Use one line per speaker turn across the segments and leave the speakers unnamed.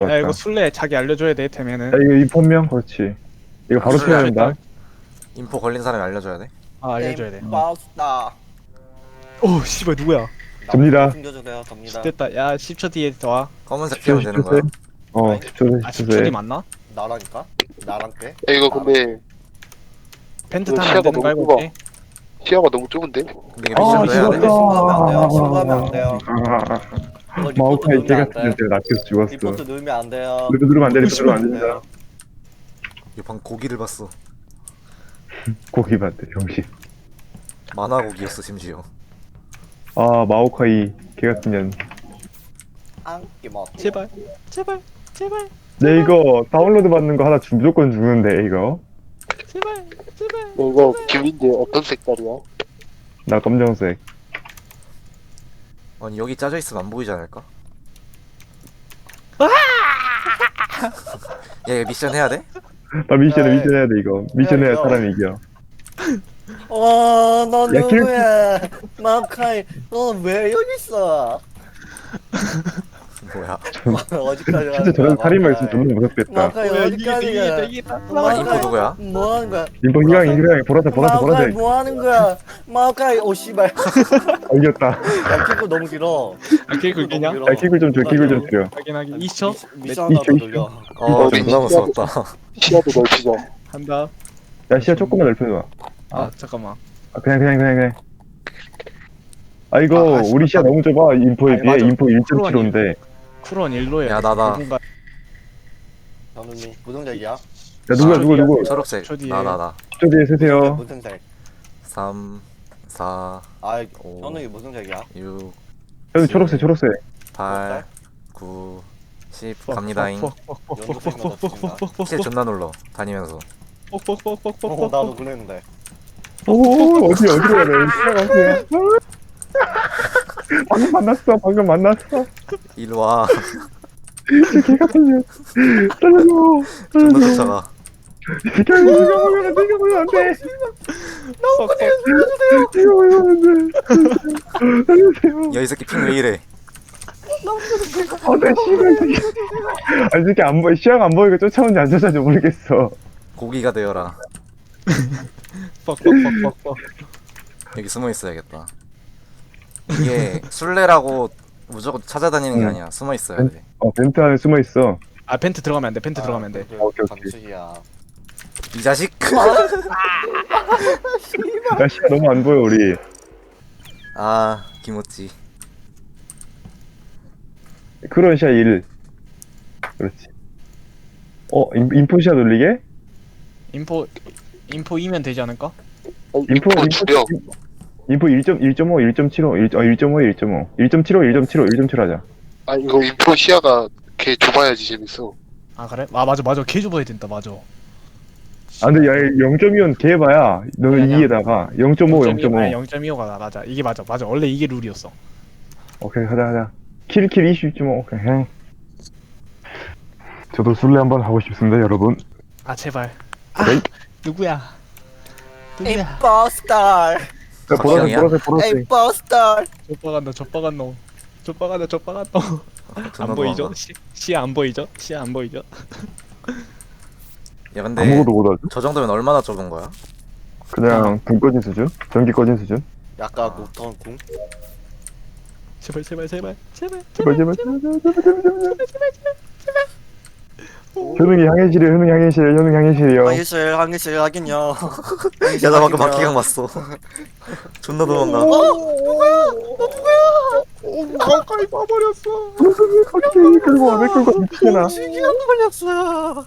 야 이거
맞다.
술래 자기 알려줘야 돼
야
되면은.
이거 인폰명 그렇지. 이거 바로
술래
쳐야 된다.
인포 걸린 사람이 알려줘야 돼.
아 알려줘야 돼.
임파스타.
오 씨발 누구야?
접니다.
숨겨주세요. 접니다.
됐다. 야 10초 뒤에 와.
검은색 피우면 되는 거야.
10초
아 10초 뒤
세.
맞나?
나라니까? 나랑 때?
야, 이거 근데
펜트
이거
타면 안
시야가
되는 거
너무
알고
좁아.
있지?
시야가 너무 좁은데?
근데 이게
아,
미션도 해야 돼.
신고하면 안 돼요. 신고하면 안 돼요. 이거 리포트
마오카이
누르면
개
안
같은
돼.
애들 낚여서 죽었어.
리포트 누르면 안 돼요.
리포트 누르면 안 돼. 리포트 누르면 안 된다.
이거 방 고기를 봤어.
고기 봤대 병신.
만화 고기였어 심지어.
아 마오카이 개 같은 년.
안기 먹.
제발 제발 제발
내 이거 다운로드 받는 거 하나 무조건 죽는데 이거.
제발 제발.
이거 김인데 어떤 색깔이야?
나 검정색.
아니 여기 짜져 있으면 안 보이지 않을까? 야 이거 미션 해야 돼?
나 미션
네.
미션 해야 돼 이거. 미션 해야
이거.
사람이 이겨.
너
야,
누구야? 마오카이, 너 왜 여기 있어?
뭐야?
어디까지
진짜 저런 살인마 있으면 존나 무섭겠다.
마오카이
뭐야,
어디까지 가?
아 인포 누구야?
뭐 하는 거야?
인포 희망이 희망이 보라색
마오카이
보라색.
뭐 하는 거야? 마오카이 오 씨발.
아, 이겼다.
야 키고 너무 길어.
아 개그 그냥?
야 킥을 좀 줘. 킥을 좀 줘.
확인하기 2초
미션 하나 더 돌려.
어
이거
존나 무서웠다.
시야도 넓히자.
한다.
야 시야 조금만 넓혀줘.
아 잠깐만.
아 그냥. 아 이거
아,
우리 시야 너무 좁아. 인포에
아니,
비해
맞아.
인포 1.75인데.
쿠론 일로에.
야, 나다.
현우님 무등색이야?
야 누구?
초록색.
저 뒤에.
나.
저 뒤에 세세요.
무슨 색?
3, 4,
아
오.
현우이 무슨 색이야?
6,
형 초록색.
8, 9, 10 갑니다잉. 실 존나 눌러 다니면서.
나도 그랬는데.
오 어디로 가야 돼? 방금 만났어.
일로 와.
개 같은 년. 살려줘.
존나 쫓아가.
내가 보면 안 돼. 내가 보면 안 돼. 살려주세요.
야 이 새끼 핑 왜 이래?
내 씨발. 아니 이렇게 안 보이. 시야가 안 보이고 쫓아오는지 안 쫓아오는지 모르겠어.
고기가 되어라.
뻑뻑뻑뻑뻑.
여기 숨어 있어야겠다. 이게 술래라고 무조건 찾아다니는 게
응.
아니야. 숨어 있어야 돼.
벤트 안에 숨어 있어.
아 펜트 들어가면 안 돼. 펜트 들어가면 안 돼.
오케이.
감축이야.
이 자식.
야 시야 너무 안 보여 우리.
아 김오찌.
그런 시야 1. 그렇지. 인포 시야 돌리게?
인포 2면 되지 않을까?
인포
죽여.
인포 1.1.5, 1.75, 1.5, 1.75 1.75 하자.
아, 이거 인포 시야가 걔 좁아야지 재밌어.
아 그래? 아 맞아 개 좁아야 된다 맞아.
아 근데 야 0.2는 개봐야 너는
아니야.
2에다가 0.5 0.5
0.25가 맞아. 이게 맞아 원래 이게 룰이었어.
오케이 가자 킬 20.5 오케이 형. 저도 술래 한번 하고 싶습니다 여러분.
아 제발. 아
에이.
누구야?
임포스터.
보라색
임포스터.
좆박한 놈.
존나
안 보이죠?
도망가.
시야 안 보이죠? 시야 안 보이죠?
야 근데
아무것도 못하죠?
저 정도면 얼마나 좁은 거야?
그냥 불 꺼진 수준? 전기 꺼진 수준?
약간 녹턴 궁.
제발
제발 현웅이 향해실이요
항해실 하긴요.
야 나 방금 바퀴강 봤어. 존나 도망가.
가까이 봐버렸어.
왜 끌고 미치잖아.
시기한 걸렸어.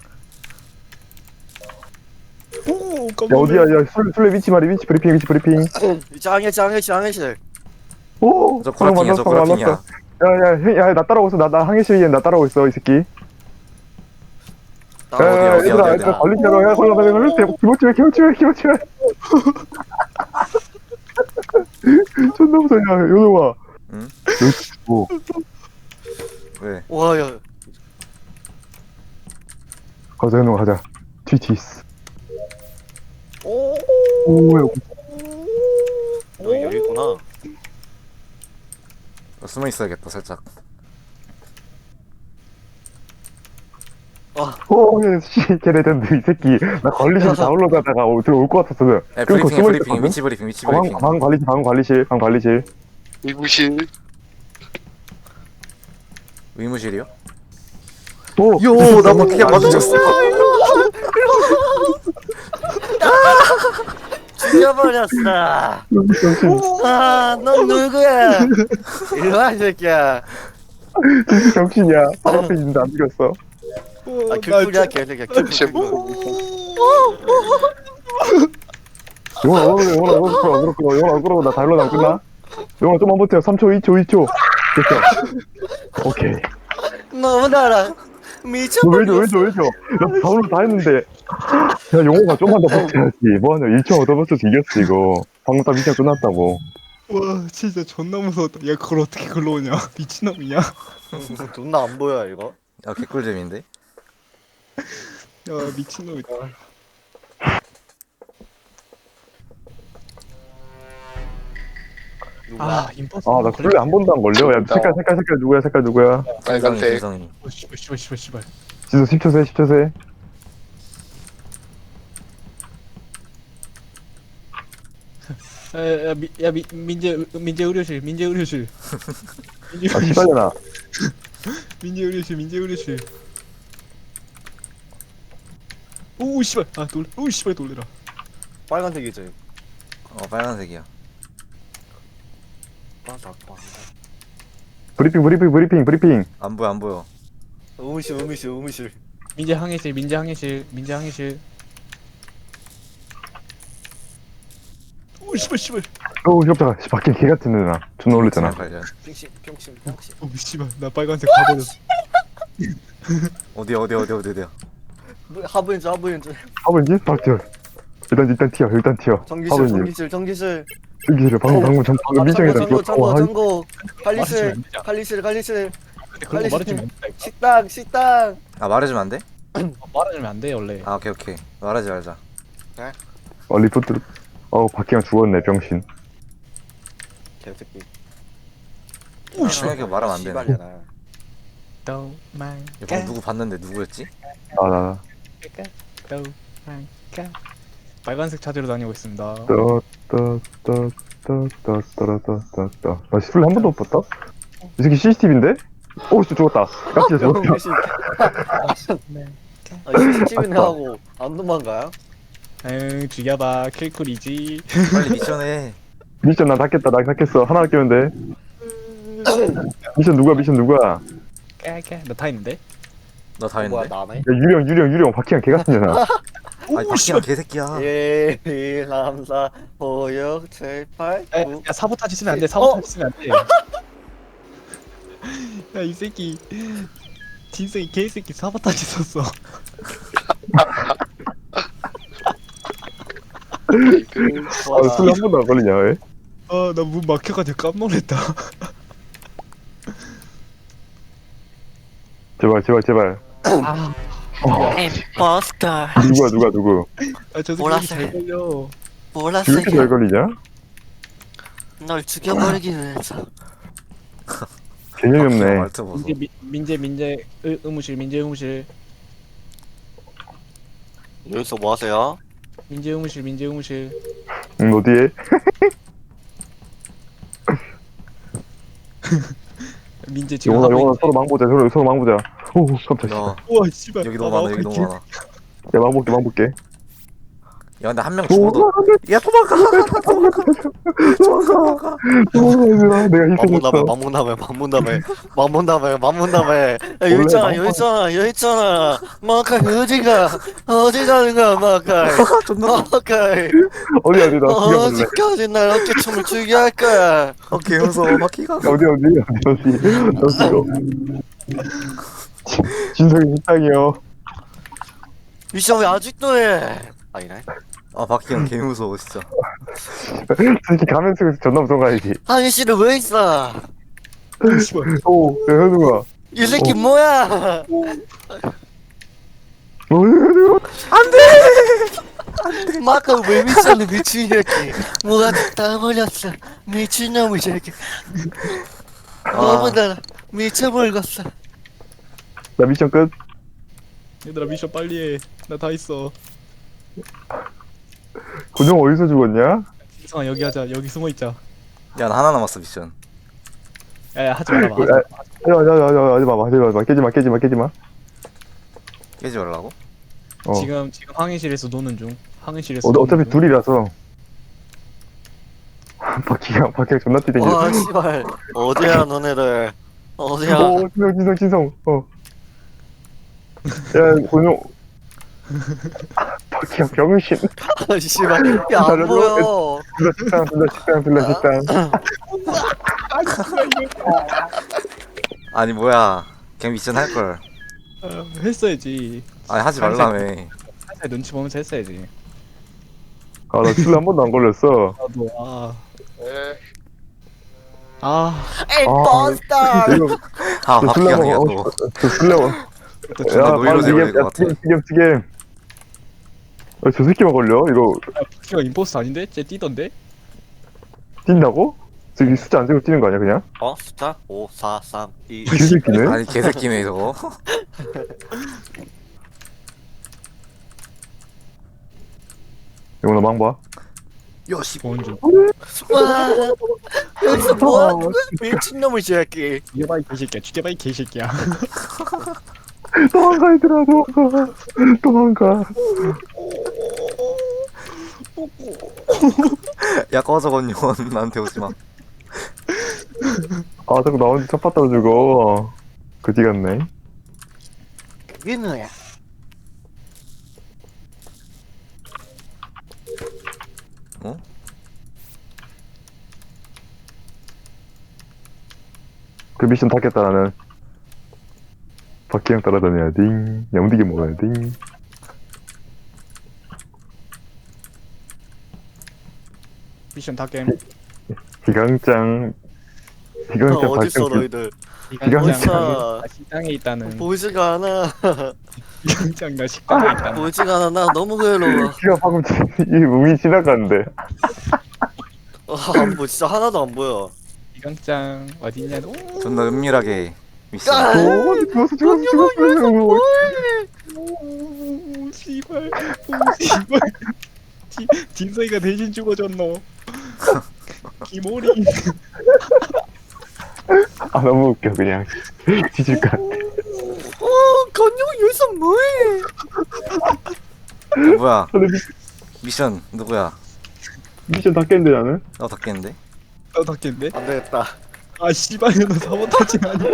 오
야 어디야 야 술래 위치 브리핑
이제 항해실.
오
저 구라핑이야 저 구라핑이야.
야야 나 따라오고 있어 나 항해실이야 나 따라오고 있어 이 새끼.
어디야, 어디야.
얘들아 걸리잖아 야 걸려 기모치왜 존나 무서워 야 요놈아.
응?
오
왜?
와야.
가자 요놈아 가자 튀티스.
오.
오야
너 여기 있구나.
숨어 있어야겠다 살짝.
씨, 걔네들 이 새끼. 나 관리실 다운로드하다가 들어올 것 같았어.
야
끊고
브리핑해
숨어
브리핑
있었거든?
위치 브리핑 위치 브리핑.
방 관리실.
의무실.
의무실이요?
오!
요, 나 바퀴가 맞아줬어.
죽여버렸어. 넌 누구야? 일로 와, 이 새끼야.
정신이야. 바로 앞에 있는데 안 죽였어.
아, 귤풀이야, 개새끼야.
씨,
귤풀.
영원아 끌어. 나 다일로 안 끝나? 영원아 좀만 버텨. 3초, 2초. 됐어. 오케이.
너무 달아.
너
미쳐버렸어.
왜 줘? 나 다운로드 다 했는데. 야, 용호가 좀만 더 버텨야지. 뭐하냐. 1초 얻어버텨서 이겼어, 이거. 방금 딱 미션 끝났다고.
와 진짜 존나 무서웠다. 야 그걸 어떻게 글로 오냐? 미친놈이냐? 야
존나 안 보여, 이거.
야 개꿀잼인데?
미친놈이다.
누구야?
임퍼스.
나 쿨레 한 번도 안 걸려. 야, 색깔 누구야?
빨간색.
지성이.
씨발.
지수 10초 세.
민재 의료실.
아, 시발려나.
민재 의료실. 오 씨발. 오 씨발 놀래라.
빨간색이지.
빨간색이야.
브리핑.
안 보여.
의무실.
민재 항해실. 오 씨발.
오, 깜짝아. 밖에 개 같은 애나. 존나 놀랬잖아.
관련.
평신.
오 씨발. 나 빨간색 가버렸어.
어디야?
하부인줄.
하버인지? 박티어. 일단 튀어.
전기실.
여기를 방금 미션이다.
전고.
말해주면
관리실.
근데 그런 거 말해주면 안 돼.
식당.
아 말해주면 안 돼?
말해주면 안 돼 원래.
아 오케이. 말하지 말자.
리포트. 박기영 죽었네, 병신.
개새끼.
오 씨발.
생각해 말하면 안 되네.
씨발려나.
이거 누구 봤는데 누구였지?
나.
빨간색 찾으러 다니고 있습니다.
나 술래 한 번도 못 봤다? 이 새끼 CCTV인데? 오, 진짜 죽었다. 깜짝이야, 죽었다.
병신. CCTV는 하고 안 도망가요?
응 죽여봐 킬쿨이지.
빨리 미션해.
미션 나 닫겠어. 하나 아끼면 돼. 미션 누가?
나 다 있는데.
너 다
뭐야,
했는데?
나네?
야, 유령. 박기영 개 같은잖아.
아니 박기영 개새끼야.
1, 2, 3, 4, 5, 6, 7, 8, 9.
야 사보타지 쓰면 안 돼. 사보타지 쓰면 안 돼. 야 이 새끼 진성이 개새끼 사보타지 썼어.
술래 한 번도 안 걸리냐, 왜?
나 문 막혀가지고 깜놀했다.
제발.
임포스터
누구?
저 새끼
보라색.
잘 걸려.
왜 이렇게 잘
보라색이야
걸리냐?
널 죽여버리기 위해서
개념이 없네.
말투 보소.
민재 의무실.
여기서 뭐 하세요?
민재 의무실.
어디에?
민재 지금
영원아,
하고 있.
서로 망보자. 오, 깜짝이야.
야
우와 씨발.
여기 너무 많아. 여기 너무 많아.
야, 망볼게.
야 근데 한 명 죽어도. 야 도망가.
얘들아, 내가 희생했어.
만문다며. 여기 있잖아. 마카이, 어디 가는 거야, 마카이. 마카이.
어디, 나 죽여볼래.
어디까지 날 어깨춤을 추게 할 거야.
개 무서워 바퀴가.
어디. 나 죽여. 진성이 식당이요.
미션 왜 아직도 해? 아니네.
아 바퀴가 개 무서워 진짜.
솔직히 가면 속에서 존나 무서운 거 알지?
한시를 왜 있어?
오, 야, 현우가.
이 새끼 뭐야?
현우가.
마카 왜 미쳤네, 미친 새끼. 뭐가 다 버렸어. 미친놈의 새끼. 너무나 미쳐버렸어.
나 미션 끝.
얘들아 미션 빨리 해나 다 있어.
군용 어디서 죽었냐?
이성아 여기 하자. 여기 숨어있자.
야 나 하나 남았어 미션.
야야 하지 말아봐. 하지
야야야야 하지마 깨지마.
깨지 말라고?
어.
지금 항해실에서 노는 중. 항해실에서
어차피
노는 중.
둘이라서. 바퀴가 존나 뛰댕겨.
와 씨발 어디야 너네들 어디야
오 진성. 야 군용. 바퀴가 병신.
아 씨발 야안 보여
둘러 식당.
아니 뭐야 그냥 미션 할걸.
했어야지.
아니 하지 말라며.
살살 눈치 보면서 했어야지.
아나 술래 한 번도 안 걸렸어.
나도
에
임포스터
이거
아
저
박기영이야
술래
너.
저 술래
존나 노이로제 걸릴 것 같아.
지금. 저 새끼만 걸려? 이거
키가 임포스터 아닌데? 쟤 뛰던데?
뛴다고? 저기 숫자 안 세고 뛰는 거 아니야 그냥?
어 숫자 5 4 3 2
이 새끼네?
아니 개새끼네 저거.
이거 나 망봐.
야씨
보는 중.
와 여기서 뭐하는 거야 미친놈의 새끼
죽여봐 이 개새끼야. 죽여봐 이 개새끼야.
도망가 얘들아 도망가.
야 꺼져 건요. 나한테 오지마.
아 자꾸 나 혼자 첫 받다 죽어. 그지 같네.
그게 너야
어?
그 미션 다 깼다 나는. 박기영 따라다녀야 딩. 영디기 먹어야 딩.
미션 다 게임.
기강짱
어딨어
박기영
너희들
기강장
어딨어?
나 식당에 있다는.
보이지가 않아
기강장 나 식당에 있다는.
보이지가 않아 나 너무 괴로워
기가 방금 이 몸이 지나갔는데.
뭐 진짜 하나도 안 보여
기강장 어딨냐?
존나 은밀하게 미션.
오 죽었어.
오 씨발. 오 씨발. 진서이가 대신 죽어줬노. 기모리.
아 너무 웃겨 그냥. 뒤질 것 같아.
건영 여기서 뭐해
뭐야
근데
미션 누구야?
미션 다 깼는데 나는?
나 닫겠는데?
너 닫겠네?
안 되겠다
아 씨발 너 사보타지 아니야?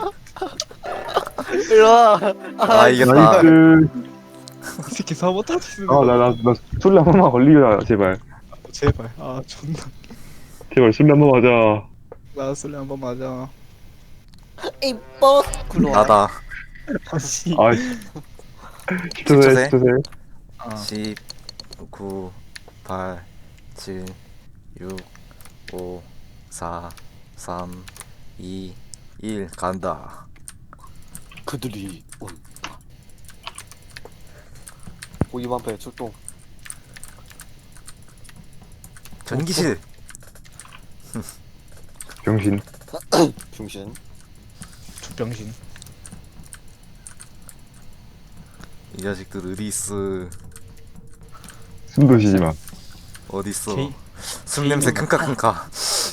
일로와
아 이겼다.
나이스.
이 새끼 사보타지 쓰는
아
거.
나 술래 한 번만 걸리자 제발.
제발. 아 존나.
제발 술래 한 번 맞아.
나왔을래 한번 맞아.
임포
나다.
아씨.
아 10초세 10초세.
아.
10 9 8 7 6 5 4 3 2 1 간다.
그들이 온다 고기반패 출동
전기실.
병신.
중신
죽병신.
이 자식들 어디 있어?
숨도 쉬지 마.
어디 있어?
개인-
숨 냄새 킁카킁카.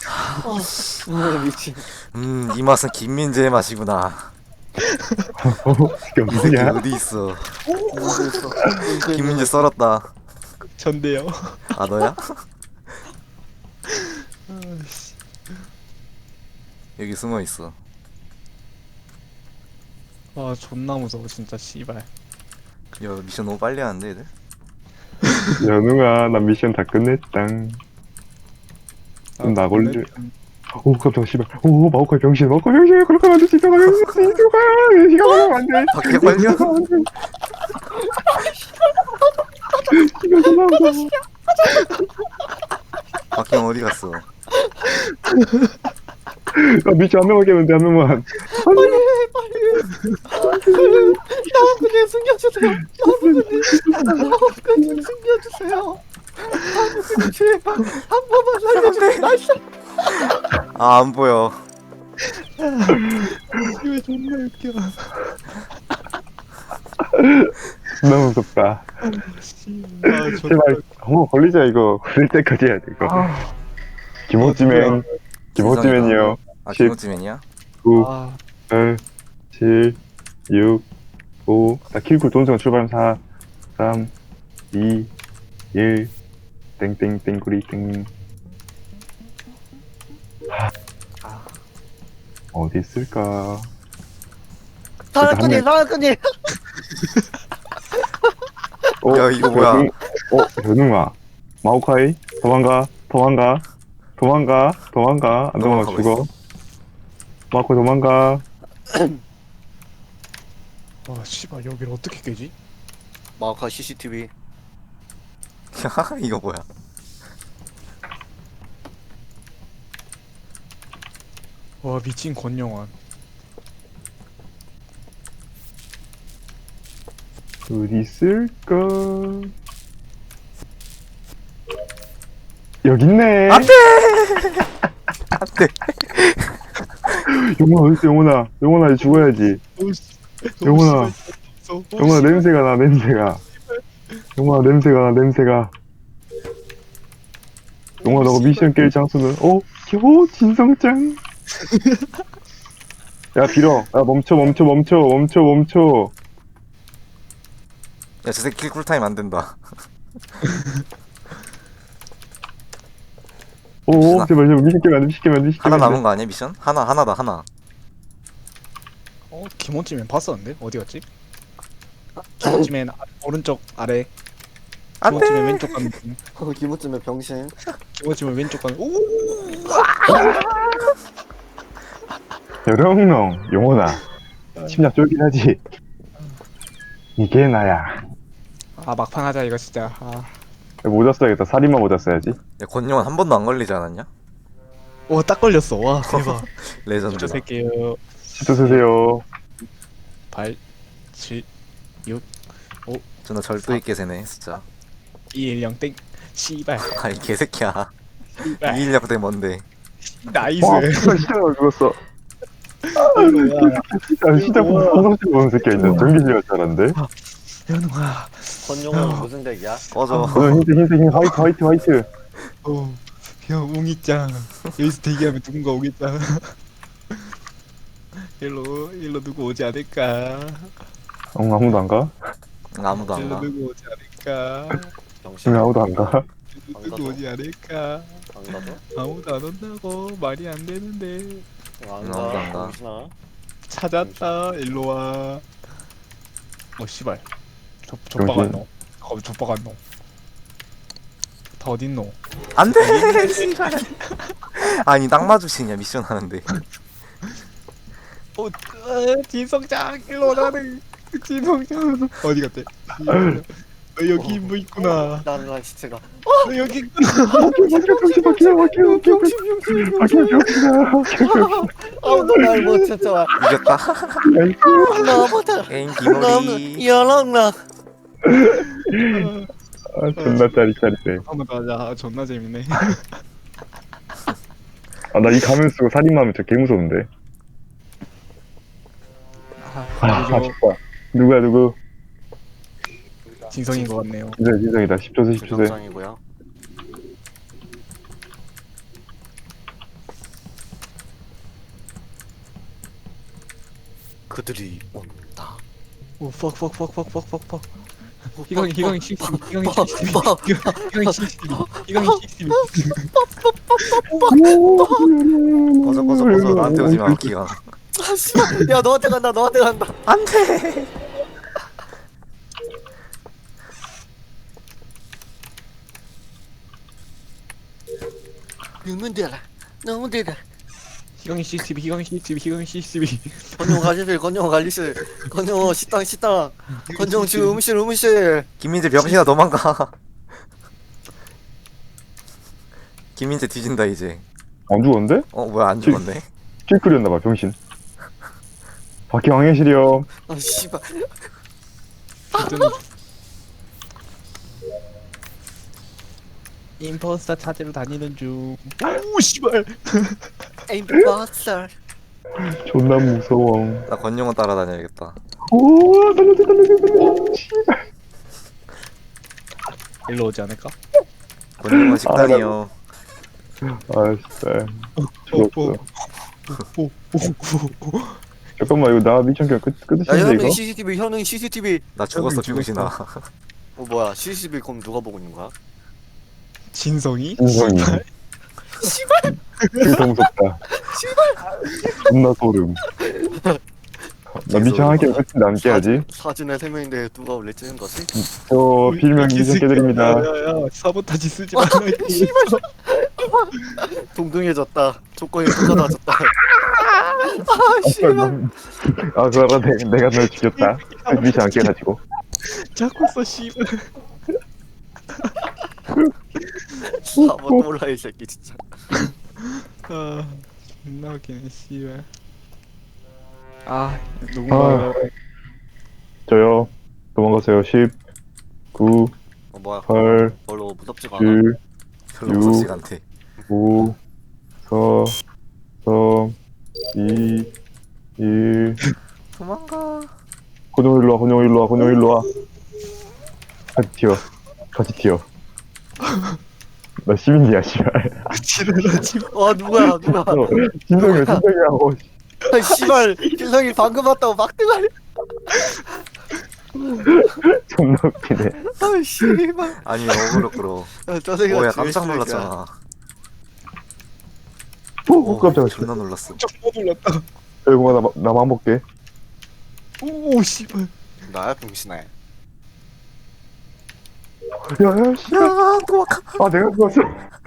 미친
이 맛은 김민재의 맛이구나.
이게
이 새끼
뭐냐?
어디 있어? 김민재 썰었다.
전데요.
아 너야?
아씨.
여기 숨어 있어.
와 존나 무서워 진짜 씨발.
야 미션 너무 빨리 하는데 얘들?
연웅아 나 미션 다 끝냈당. 좀 나걸래. 오 깜짝 씨발. 오 마오카이 병신 그렇게 하면 안 돼. 진짜 병신 시간 가면 안 돼.
밖에 빨려?
시간 좀 나오자.
박형 어디 갔어?
나 미션 한 명만 깨면 돼. 한 명만.
나 그냥 숨겨주세요 나 그냥 숨겨주세요 나 그냥 제발 한 번만 살려주세요 나이스
아 안 보여.
이거 존나 웃겨.
너무 무섭다.
아,
제발 한번 걸리자 이거. 걸릴 때까지 해야 돼 이거. 김호찌맨. 김호찌맨이요.
아
10,
김호찌맨이야?
9,
아,
8, 7, 6, 5. 나 킬쿨 돈수가 출발하면 4, 3, 2, 1. 땡땡땡구리 땡. 어디 있을까?
사랑꾼이
야, 이거 뭐야?
현웅아. 마오카이? 도망가. 안 도망가
도망가고
죽어. 마오카이 도망가.
아, 씨발 여기를 어떻게 깨지?
마오카 CCTV.
야 이거 뭐야?
와, 미친 권영환.
어디 있을까? 여기 있네.
안돼. 안돼.
영훈아 어딨어 영훈아 이제 죽어야지.
오, 씨.
영훈아.
오, 씨발, 있어. 오,
영훈아
씨발.
냄새가 나 영훈아 냄새가. 영훈아 너가 미션 깰 장소는 진성짱. 야 빌어. 야 멈춰.
야 저 새끼 킬 쿨타임 안 된다.
오 제발 미션 깨면 안 돼.
하나 남은 거 아니야 미션? 하나다 하나.
김원찌맨 봤었는데? 어디 갔지? 김원찌맨 오른쪽 아래.
안돼.
김원찌맨 왼쪽 가는 중.
기모쯤에 병신.
김원찌맨 왼쪽 가는. 오!
여령농 영훈아 심장 쫄깃하지. 이게 나야.
아, 막판 하자 이거 진짜. 아.
모자 써야겠다. 살인마 모자 써야지.
야 권용은 한 번도 안 걸리지 않았냐?
와, 딱 걸렸어. 와, 대박.
레전드.
저 새끼요.
시도 쓰세요.
8, 7,
존나 절도 있게 세네 진짜.
2, 1, 0, 땡. 씨발.
아이 개새끼야.
씨발.
이인력 대 뭔데?
나이스.
와 시작을 죽었어.
일로 와.
시작부터 성성치 보는 새끼가 있잖아. 전기질할 줄 알았는데.
연웅아.
권용은 무슨 덱이야?
꺼져.
흰색 화이트.
형 웅이짱. 여기서 대기하면 누군가 오겠다. 일로 누구 오지 않을까?
아무도 안 가?
아무도 안
일로
가.
누구 오지 않을까?
병신.
아무도 안 가?
누구 오지 않을까?
안 가죠?
아무도 안 온다고 말이 안 되는데.
안
아무도 안 가.
병신아.
찾았다. 일로 와. 씨발. 족박 안 넣어. 족박 안 넣어. 다 어딨노?
안돼. 씨발. 아니 딱 마주치냐 미션 하는데.
진성장 일로 나는 진성장 어디 갔대? 너 여기 뭐 있구나.
나는 시체가.
너 여기 있구나.
아무도 날 못 찾아와.
이겼다.
너무 다.
게임
너무
기모리.
연락나.
존나 짜릿해.
한번 더 하자. 존나 재밌네.
나 이 가면 쓰고 살인마 하면 진짜 개 무서운데. 아쉽다. 누구야 누구?
진성인 것 같네요.
진성이다. 10초 세.
정상이고요. 그들이 온다.
오, fuck. 희광이 CCTV. 희광이 CCTV.
꺼져 나한테 오지 마 기가.
아씨, 야 너한테 간다.
안돼.
너무 대라.
희광이 CCTV.
건영 관리실. 건영 식당. 건영 지금 음실.
김민재 병신아 도망가. 김민재 뒤진다 이제.
안 죽었는데?
뭐야 안 죽었네.
킬클이었나봐 병신. 바퀴 왕해실이요.
아 씨발.
임포스터 찾으러 다니는 중. 오, 씨발.
임포스터.
존나 무서워.
나 권용은 따라다녀야겠다.
오 살려줘.
일로 오지 않을까?
권능원 식단이요.
아 진짜
오,
죽었어.
오, 오, 오.
잠깐만 이거 나 미션 그냥
야
끝이신데
현웅
이거?
CCTV 현웅 CCTV
나 죽었어 병신아.
어 뭐야 CCTV 그럼 누가 보고 있는 거야?
진성이?
인성이. 그게 무섭다. 존나 소름. 나 미션 하기 끝인데 안 깨야지.
사진에 3명인데 누가 원래 찍은 거지?
저 필명 미션 깨드립니다.
야야야 사보타지 쓰지 말라.
동등해졌다. 조건이 똑같아졌다.
아 그러다 내가 널 죽였다. 미션 안 깨가지고.
자꾸 써 씨발.
사보 몰라 이 새끼 진짜.
아 존나 웃기네 씨발. 아 누군가
저요. 도망가세요. 10, 9,
어 뭐야?
8,
별로 무섭지가 않아.
7,
별로 무섭지가 않대.
5, 4, 3, 2, 1.
도망가.
혼용 일로 와. 혼용 일로 와. 혼용 일로 와. 같이 튀어. 같이 튀어. 나 시민이야, 씨발.
지랄하지 마.
아 누구야 누가?
진성이야, 진성이야.
아 씨발 진성이 방금 왔다고 막 뜨가리.
존나 웃기네.
아 씨발.
아니 어그로 끌어.
저 새끼가
오야
제일
깜짝
쓰레기야.
놀랐잖아.
오, 깜짝이야.
존나 놀랐어.
못 놀랐다.
여공아, 나만 볼게.
오 씨발.
나야 병신아.
야, 야, 씨발.
야 도망가.
아, 내가 죽었어.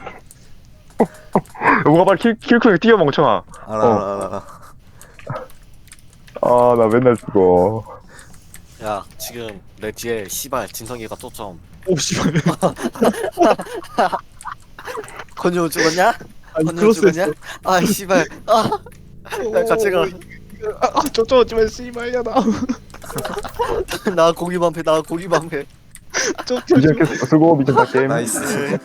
여공아, 빨리 킬크에 뛰어, 멍청아.
알아.
아, 나 맨날 죽어.
야 지금 내 뒤에 씨발 진성이가 쫓아옴.
오 씨발.
건조 죽었냐?
아니
건조
크로스
죽었냐?
했어.
아 씨발. 아 야, 같이 가.
쫓아오지마 씨발야 나.
나 고기 반패 나 고기 반패.
미션 계속 쓰고, 미션 다 게임.
나이스.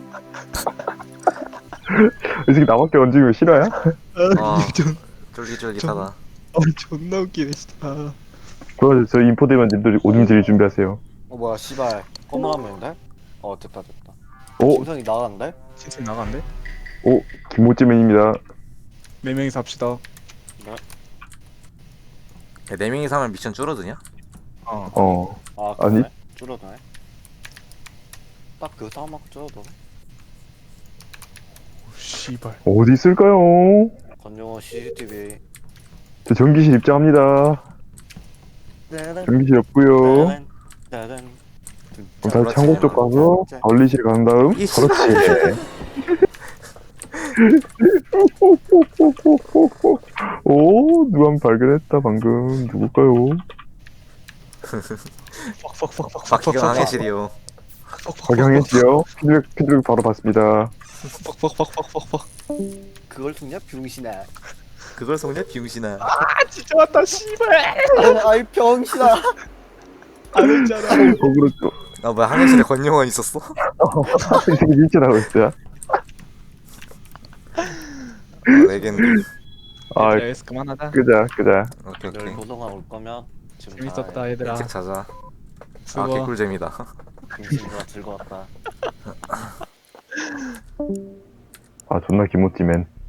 이 새끼 나밖에 얹으면 싫어야?
아.
좀
쫄깃쫄깃하다.
존나 웃기네 진짜.
그럼 저 인포되면 님들 오줌질이 준비하세요.
어 뭐야 씨발 꺼머하면인데? 어 됐다.
오,
진성이 나갔는데?
진짜 나간대?
오, 김모찌맨입니다.
4명이서 합시다.
야, 4명이서 하면 미션 줄어드냐?
어.
어,
아
아니.
그러네? 줄어드네. 딱 그 싸움하고 줄어도.
오, 씨발.
어디 있을까요?
건영호 CCTV.
저 전기실 입장합니다. 전기실 없고요. 그럼 다시 창고 쪽 가서 관리실 간 다음
이씨.
그렇지. 오, 누가 한 발견했다 방금. 누굴까요?
박희경 항해실이요.
박영했지요. 피드백 바로 봤습니다.
퍽퍽퍽퍽퍽퍽.
그걸 속냐 병신아.
그걸 속냐 비용신아.
아 진짜 왔다 씨발.
아이 병신아.
알았잖아.
거꾸로 또
아 뭐야 항해실에 권영원 있었어?
이 새끼 밀쳐나고 있어요.
레겐드.
아,
에스 그만하자.
끄자.
오케이
널
오케이.
도동아 올 거면 지금
재밌었다 얘들아.
일찍 자자. 아
수고.
개꿀잼이다.
병신아 즐거웠다.
아, 존나 김모찌맨.